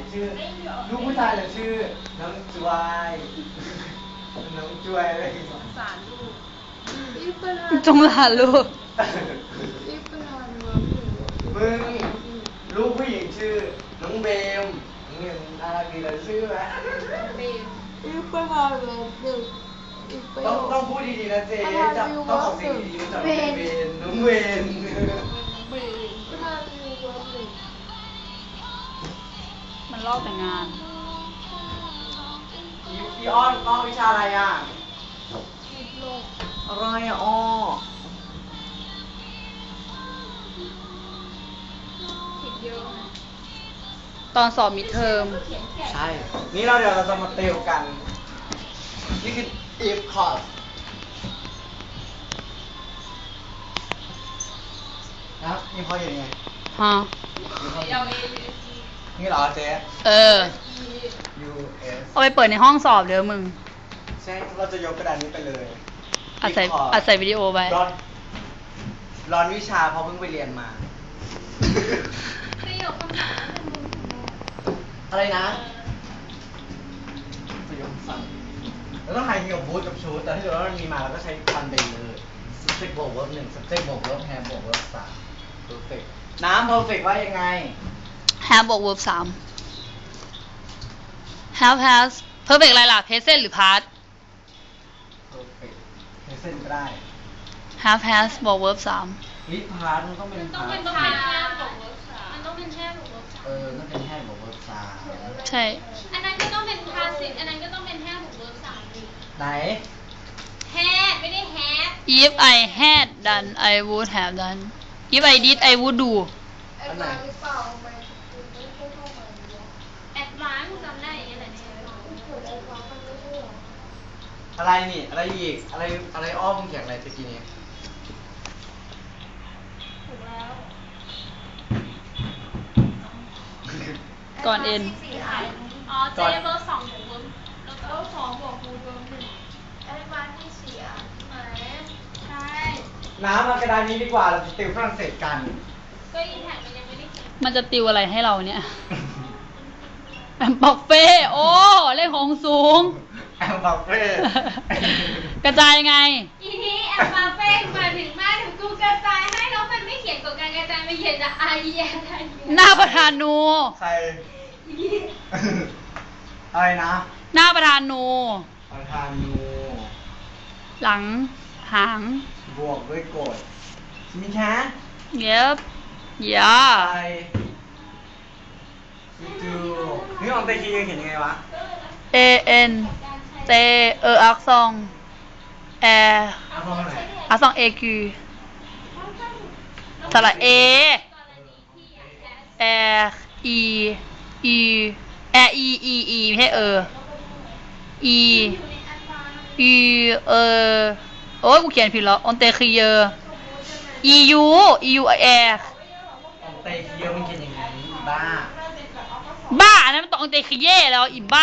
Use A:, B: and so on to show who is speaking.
A: ชื่อลูกผู้ชายจะชื่อน้องจวยน้องจวยอะไรสงสารลูก
B: จงหลานลูก
A: มึงลูกผู้หญิงชื่อน้องเบมมึงอะไรดีเลยชื่อไหมต้องพูดดีๆนะเจ๊จับต้องออกเสียงดีๆจับเวนน้องเวน
B: มันลอกแต่งงาน
A: อีอ้อนอ้อวิชาอะไรอ่ะอะไรอ่ะอ้อ
B: ตอนสอบมิดเทอม
A: ใช่นี่เดี๋ยวเราจะมาติวกันนี่คือ if course นะนี่พออย่างไง
B: ฮะ
A: นี่เหรอเจ๊US
B: เอาไปเปิดในห้องสอบเดี๋ยวมึง
A: ใช่เราจะยกกระดานนี้ไปเลย
B: อัดใส่วิดีโอไว้
A: ร้อนวิชาเพราะเพิ่งไปเรียนมาอะไรนะประโยคสั้นเราต้องหายเกี่ยวกับบูทกับชูดแต่ถ้าเกิดว่ามันมีมาเราก็ใช้ฟันเดย์เลย subject บวก verb 1 subject บวก verb have บวก verb 3 perfect น้ำ perfect ว่ายังไง
B: have บวก verb 3 have has perfect อะไรล่ะ present หรือ past
A: perfect present ก็ได้
B: have has บวก verb
A: 3 with past มันต้องเป็น past
C: มันต้องเป็นแค่บวก verb 3มันต้องเป็นแค่บวก verb 3
A: นั่นเป็นแค่บวก verb 3
B: ใช่
C: อันนั้นก็ต้องเป็น passive อันนั้นก็ต้องเป็นแค่บวก verb 3ดิ
A: ไหน
C: had ไม่ได้ have
B: if I had done I would have done if I did I would do
A: อันไหน
C: advance จำได้อย่างเงี้ยแหละ
A: อะไรนี่อะไรอีกอะไรอ้อมเขียนอะไรตะกี้นี้
C: ถูกแล้ว
B: ก่อนเอ็น
C: อ๋อเจเบอร์2บวก verb แล้วก็2บวก verb 1 advance ที่เสียไหนใช่
A: น้ำมากระดานนี้ดีกว่าเราจะติวฝรั่งเศสกัน
C: ก็อินแท็กมันยังไม่ได้เขียน
B: มันจะติวอะไรให้เราเนี่ยแอมบอกเฟ่โอ้เลขของสูง
A: แอมบอกเฟ่
B: กระจายไง
C: อีนี้แอมบอกเฟ่มาถึงมาถึงกูกระจายให้แล้วมันไม่เขียนกฎการกระจายมันเขียนจาก I E N
B: หน้าประธานนู
A: ใครอะไรนะ
B: หน้าประธานนู
A: ประธานนู
B: หลังหาง
A: บวกด้วยกฎมีแค่
B: เย็บย่า
A: ไปดูนี่ของเตคีเขียนยังไงวะ
B: A N เตอักษรแออักษรเอคิวสระเอแออีอีแออีอีอีไม่ใช่อีอีโอ้ยกูเขียนผิดแล้วออนเตคีเยอียูแอ
A: ของเตคีมันเขียนยังไงบ้า
B: บ้าอันนั้นมันต้องออนเตคีเยแล้วอีบ้า